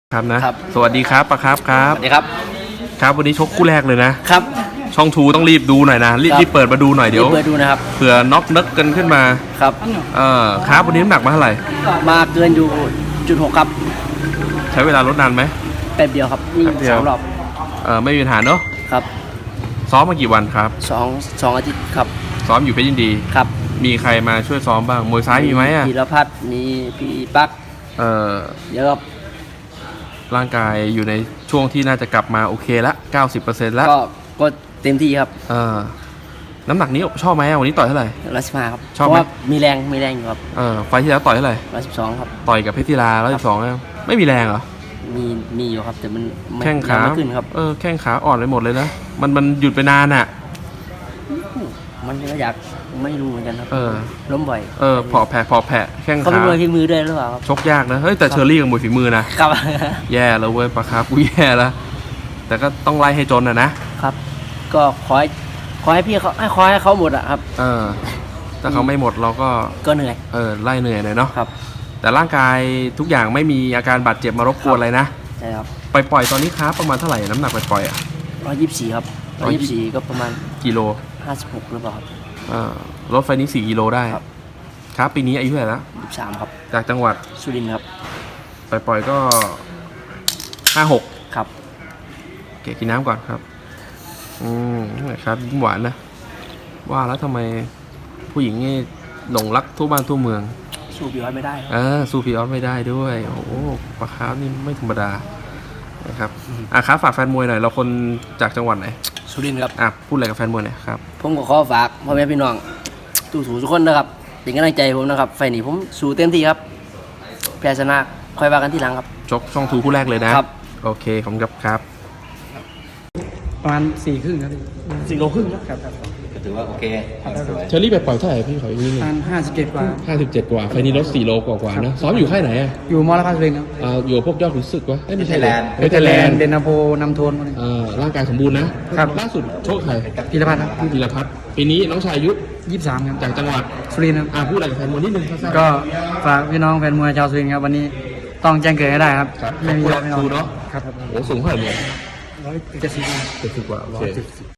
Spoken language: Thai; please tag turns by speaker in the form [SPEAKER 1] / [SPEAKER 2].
[SPEAKER 1] ครับนะครับสวัสดีครับปะครับครับ
[SPEAKER 2] สวัสดีครับ
[SPEAKER 1] ครับวันนี้ชกคู่แรกเลยนะครับช่องทูต้องรีบดูหน่อยนะรีบเปิดมาดูหน่อยเดี๋ยว
[SPEAKER 2] เปิดดูนะครับ
[SPEAKER 1] เผื่อน็อกนึกกันขึ้นมา
[SPEAKER 2] ครับ
[SPEAKER 1] ครับวันนี้น้ำหนักมาเท่าไหร่
[SPEAKER 2] มาเกินอยู่0.6ครับ
[SPEAKER 1] ใช้เวลาลดนานไหม
[SPEAKER 2] แป๊บเดียวครับนี่2 รอบ
[SPEAKER 1] ไม่มีปัญหาเนอะ
[SPEAKER 2] ครับ
[SPEAKER 1] ซ้อมมากี่วันครับ
[SPEAKER 2] 2 อาทิตย์ครับ
[SPEAKER 1] ซ้อมอยู่เพชรยินดี
[SPEAKER 2] ครับ
[SPEAKER 1] มีใครมาช่วยซ้อมบ้างมวยซ้ายมีไหม
[SPEAKER 2] พีรพัฒน์มีพี่ปักเยอะครับ
[SPEAKER 1] ร่างกายอยู่ในช่วงที่น่าจะกลับมาโอเคละ 90% แล้ว
[SPEAKER 2] ก็เต็มที่ครับ
[SPEAKER 1] น้ำหนักนี้ชอบไหมวันนี้ต่อยเท่าไหร่
[SPEAKER 2] 115ครับ
[SPEAKER 1] ชอบไหม
[SPEAKER 2] มีแรงอยู่ครับ
[SPEAKER 1] ไฟที่แล้วต่อยเท่าไหร่
[SPEAKER 2] 112ครับ
[SPEAKER 1] ต่อยกับเพชรศิลา112ไม่มีแรงเหรอ
[SPEAKER 2] มีอยู่ครับแต่มัน
[SPEAKER 1] แข้งขา
[SPEAKER 2] ขึ้นครับ
[SPEAKER 1] แข้งขาอ่อนไปหมดเลยนะมันหยุดไปนานอ่ะ
[SPEAKER 2] มันก็อยากไม่รู้เหมือนกันครับล้มบ่อย
[SPEAKER 1] พอแผลแข้งขา
[SPEAKER 2] เขาเป็นมวยฝีมือด้วยหรือเปล่าครับ
[SPEAKER 1] ชกยากนะเฮ้ยแต่เชอรี่กับมวยฝีมือนะครับแย่แล้วเว้ยปะครับกูแย่แล้วแต่ก็ต้องไล่ให้จน
[SPEAKER 2] นะครับก็ขอให้พี่เขาขอให้เขาหมดอะครับ
[SPEAKER 1] ถ้าเขาไม่หมดเรา
[SPEAKER 2] ก็เหนื่อย
[SPEAKER 1] ไล่เหนื่อยหน่อยเนาะ
[SPEAKER 2] ครับ
[SPEAKER 1] แต่ร่างกายทุกอย่างไม่มีอาการบาดเจ็บมารบกวนอะไรนะ
[SPEAKER 2] ใช่ครับ
[SPEAKER 1] ปล่อยตอนนี้ครับประมาณเท่าไหร่น้ำหนักปล่อย
[SPEAKER 2] 124ครับ124ก็ประมาณ
[SPEAKER 1] กิโล
[SPEAKER 2] 56หรือเปล่าครับ
[SPEAKER 1] รถไฟนี้4 กิโลได้ครับปีนี้อายุเท่าไหร่แล้ว
[SPEAKER 2] 23ครับ
[SPEAKER 1] จากจังหวัด
[SPEAKER 2] สุรินทร์ครับ
[SPEAKER 1] ปล่อยก็56
[SPEAKER 2] ครับ
[SPEAKER 1] เก๋กินน้ำก่อนครับครับยิ้มหวานนะว่าแล้วทำไมผู้หญิงนี่หลงรักทั่วบ้านทั่วเมือง
[SPEAKER 2] สู้พี่ออสไม่ได้
[SPEAKER 1] สู้พี่ออสไม่ได้ด้วยโอ้โหปลาคาร์ฟนี่ไม่ธรรมดานะครับครับฝากแฟนมวยหน่อยเราคนจากจังหวัดไหน
[SPEAKER 2] สุรินทร์ครับ
[SPEAKER 1] พูดอะไรกับแฟนมวยหน่อยครับ
[SPEAKER 2] ผมก็ขอฝากพ่อแม่พี่น้องสู้ทุกคนนะครับเป็นกำลังใจผมนะครับไฟนี้ผมสู้เต็มที่ครับแพ้ชนะค่อยว่ากันที่หลังครับ
[SPEAKER 1] ชกช่องทูคู่แรกเลยนะครับโอเคขอบคุณครับ
[SPEAKER 3] ประมาณ4 ครึ่งครับ4 โลครึ่งครับ
[SPEAKER 4] ก็ถือว่าโอเค
[SPEAKER 1] เชอรี่ไปปล่อยเท่าไหร่พี่ขออีกนิดนึง
[SPEAKER 3] 57 กว่า
[SPEAKER 1] 57 กว่าไฟนี้ลด4 โลกว่านะซ้อมอยู่ค่ายไหน
[SPEAKER 3] อยู่มอลคาสุรินทร์ครับ
[SPEAKER 1] อยู่พวกยอดขุนศึกวะไม่ใช่
[SPEAKER 4] แลนด์
[SPEAKER 3] เดนนาโพนำโทน
[SPEAKER 1] ร่างกายสมบูรณ์นะครับล่าสุดโชคใคร
[SPEAKER 3] พีรพัฒน์ครับ
[SPEAKER 1] พีรพัฒน์ปีนี้น้องชายอายุ
[SPEAKER 3] 23ครับ
[SPEAKER 1] จากจังหวัด
[SPEAKER 3] สุรินทร์ครับ
[SPEAKER 1] พูดอะไรกับแฟนมวยนิดนึง
[SPEAKER 3] ก็ฝากพี่น้องแฟนมวยชาวสุรินทร์ครับวันนี้ต้องแจ้งเกิดให้ได้ครับ
[SPEAKER 1] ไม่มีอะไรไม่น้อง
[SPEAKER 3] ครับ
[SPEAKER 1] โอ้สูงเท่าไหร่เนี่ย
[SPEAKER 3] 170
[SPEAKER 1] กว่า